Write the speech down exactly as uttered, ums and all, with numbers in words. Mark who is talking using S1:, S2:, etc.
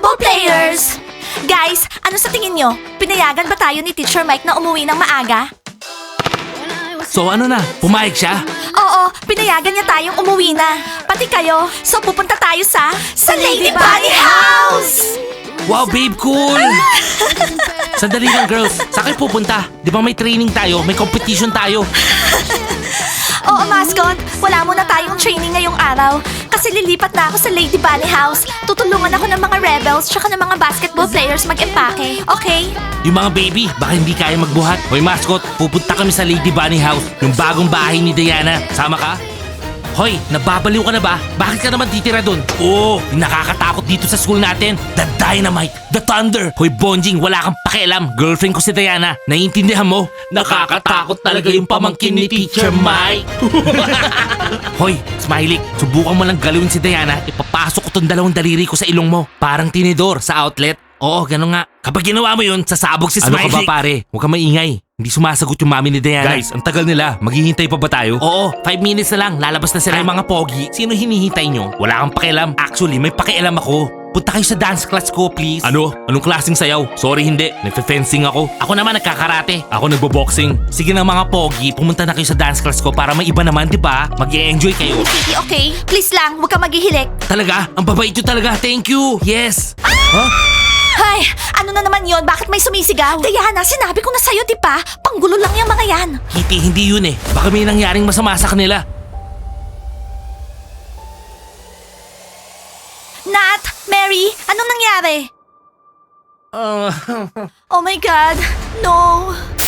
S1: basketball players! Guys, ano sa tingin nyo? Pinayagan ba tayo ni Teacher Mike na umuwi ng maaga?
S2: So ano na, pumayag siya?
S1: Oo, pinayagan niya tayong umuwi na. Pati kayo. So pupunta tayo sa... Sa Lady Bunny House!
S2: Wow, babe, cool! Sandali lang, girls. Sa akin pupunta. Di ba may training tayo? May competition tayo.
S1: Oo, mascot. Wala muna tayong training ngayong araw. Kasi lilipat na ako sa Lady Bunny House. Tutulungan ako ng mga rebels tsaka ng mga basketball players mag-empake. Okay?
S2: Yung mga baby, baka hindi kaya magbuhat. Hoy, mascot, pupunta kami sa Lady Bunny House. Yung bagong bahay ni Diana. Sama ka? Hoy, nababaliw ka na ba? Bakit ka naman titira dun? Oo, yung nakakatakot dito sa school natin. The Dynamite, The Thunder. Hoy, Bonjing, wala kang pakialam. Girlfriend ko si Diana. Naiintindihan mo? Nakakatakot talaga yung pamangkin ni Teacher Mike. Hoy, Smiley, subukan mo lang galawin si Diana. Ipapasok ko tong dalawang daliri ko sa ilong mo. Parang tinidor sa outlet. Oo, gano'n nga. Kapag ginawa mo yun, sasabog si Smiley. Ano ka ba, pare? Huwag kang maingay. Hindi sumasagot yung mami ni Diana. Guys, ang tagal nila. Maghihintay pa ba tayo? Oo, five minutes na lang. Lalabas na sila yung mga pogi. Sino hinihintay nyo? Wala kang pakialam. Actually, may pakialam ako. Punta kayo sa dance class ko, please. Ano? Anong klaseng sayaw? Sorry, hindi. Nagfe-fencing ako. Ako naman nagkakarate. Ako nagbo-boxing. Sige na mga pogi, pumunta na kayo sa dance class ko para may iba naman, di ba? Mag-e-enjoy kayo.
S1: Okay, okay. Please lang, huwag kang maghihilik.
S2: Talaga? Ang babait nyo talaga. Thank you. Yes. Huh?
S1: Ay, ano na naman yon? Bakit may sumisigaw? Diana, sinabi ko na sa'yo, di ba? Panggulo lang yung mga yan.
S2: Kitty, hindi yun eh. Baka may nangyaring masama sa kanila.
S1: Nat, Mary, anong nangyari?
S2: Uh,
S1: Oh my God, no.